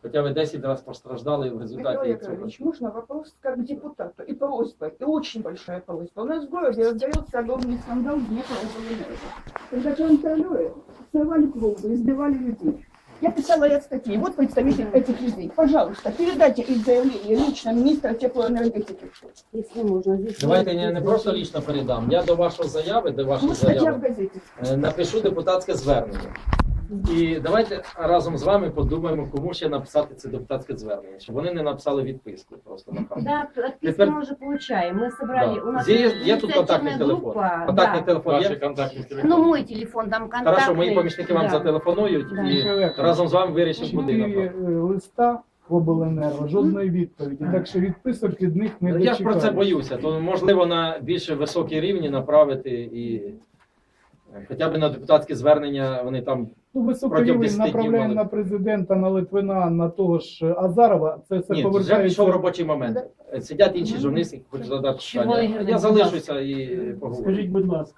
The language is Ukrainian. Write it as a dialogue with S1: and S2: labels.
S1: Хоча ви 10 разів постраждали в
S2: Михаил
S1: результаті цього.
S2: Яковлевич, можно вопрос как к депутату? И просьба, и очень большая просьба. У нас в городе раздается огромный скандал Днепроэнерго. Когда контролеры срывали клубы, избивали людей. Я писала ряд статей. Вот представитель этих людей. Пожалуйста, передайте их заявление лично министра теплоэнергетики.
S3: Если можно, здесь...
S1: Давайте я не просто лічно передам. Я до вашої заяви,
S2: Вот статья в газете.
S1: напишу депутатське звернення. І давайте разом з вами подумаємо, кому ще написати це депутатське звернення, щоб вони не написали відписку просто на камеру.
S3: Да, отписки
S1: Теперь-
S3: мы уже получаем. Мы собрали, у нас
S1: Є тут контактний
S3: инициативная
S1: телефон.
S3: группа,
S1: Контактний
S3: да.
S1: телефон
S4: Ваші
S1: є?
S4: контактні телефони.
S3: Ну, мой телефон там контактный.
S1: Хорошо, мої помічники вам
S3: Да.
S1: зателефонують
S3: Да.
S1: і разом з вами вирішимо, куди
S5: 4
S1: направити.
S5: листа в обленерго, жодної відповіді. Так що відписок від них не
S1: Ну, я ж про це
S5: дочекаєш.
S1: боюся, то можливо на більш високий рівні направити і хоча б на депутатське звернення вони там.
S5: Ну, високий
S1: протягом
S5: рівень
S1: 10 днів
S5: направляємо
S1: мали.
S5: на президента, на Литвина, на того ж Азарова. Це все
S1: Ні, вже
S5: повертається.
S1: пішов робочий момент. Сидять інші журналісти, хочуть задати
S3: Чого
S1: питання.
S3: Ігор
S1: Я
S3: не
S1: залишуся і поговорю.
S6: Скажіть, будь ласка,